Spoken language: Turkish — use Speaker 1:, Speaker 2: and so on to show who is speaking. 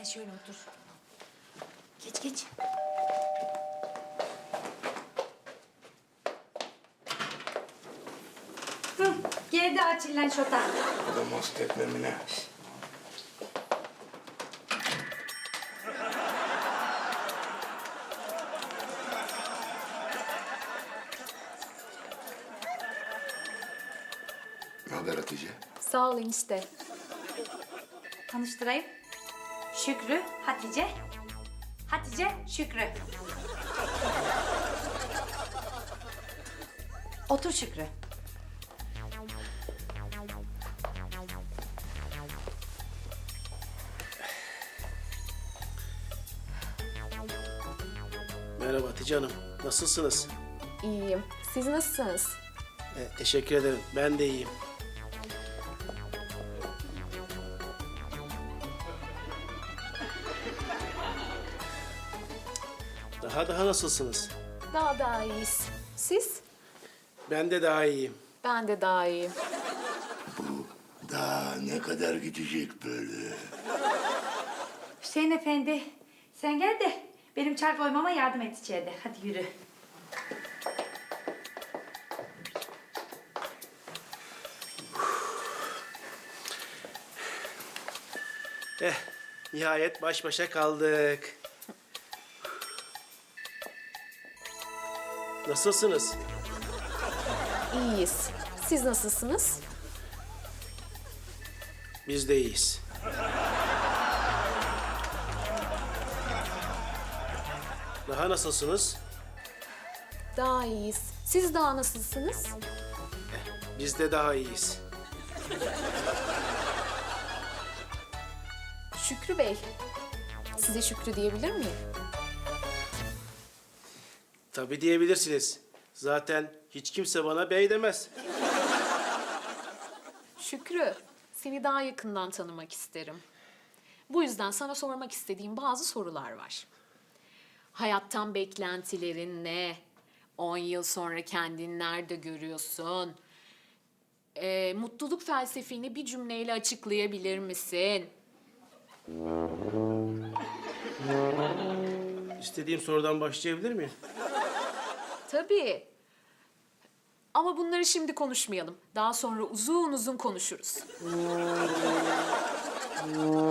Speaker 1: Sen şöyle otur. Geç geç. Hı, geldi Açillen şota.
Speaker 2: O da most etmemine. Ne haber Hatice?
Speaker 3: Sağ ol enişte.
Speaker 1: Tanıştırayım. Şükrü, Hatice. Hatice, Şükrü. Otur Şükrü.
Speaker 4: Merhaba Hatice Hanım. Nasılsınız?
Speaker 3: İyiyim. Siz nasılsınız?
Speaker 4: Teşekkür ederim. Ben de iyiyim. Daha nasılsınız?
Speaker 3: Daha iyiyiz. Siz?
Speaker 4: Ben de daha iyiyim.
Speaker 3: Ben de daha iyiyim.
Speaker 2: Daha ne kadar gidecek böyle?
Speaker 1: Hüseyin Efendi, sen gel de benim çay koymama yardım et içeride. Hadi yürü.
Speaker 4: Nihayet baş başa kaldık. Nasılsınız?
Speaker 3: İyiyiz. Siz nasılsınız?
Speaker 4: Biz de iyiyiz. Daha nasılsınız?
Speaker 3: Daha iyiyiz. Siz daha nasılsınız?
Speaker 4: Biz de daha iyiyiz.
Speaker 3: Şükrü Bey. Size Şükrü diyebilir miyim?
Speaker 4: Tabii diyebilirsiniz. Zaten hiç kimse bana bey demez.
Speaker 3: Şükrü, seni daha yakından tanımak isterim. Bu yüzden sana sormak istediğim bazı sorular var. Hayattan beklentilerin ne? 10 yıl sonra kendini nerede görüyorsun? Mutluluk felsefeni bir cümleyle açıklayabilir misin?
Speaker 4: İstediğim sorudan başlayabilir miyim?
Speaker 3: Tabii. Ama bunları şimdi konuşmayalım. Daha sonra uzun uzun konuşuruz.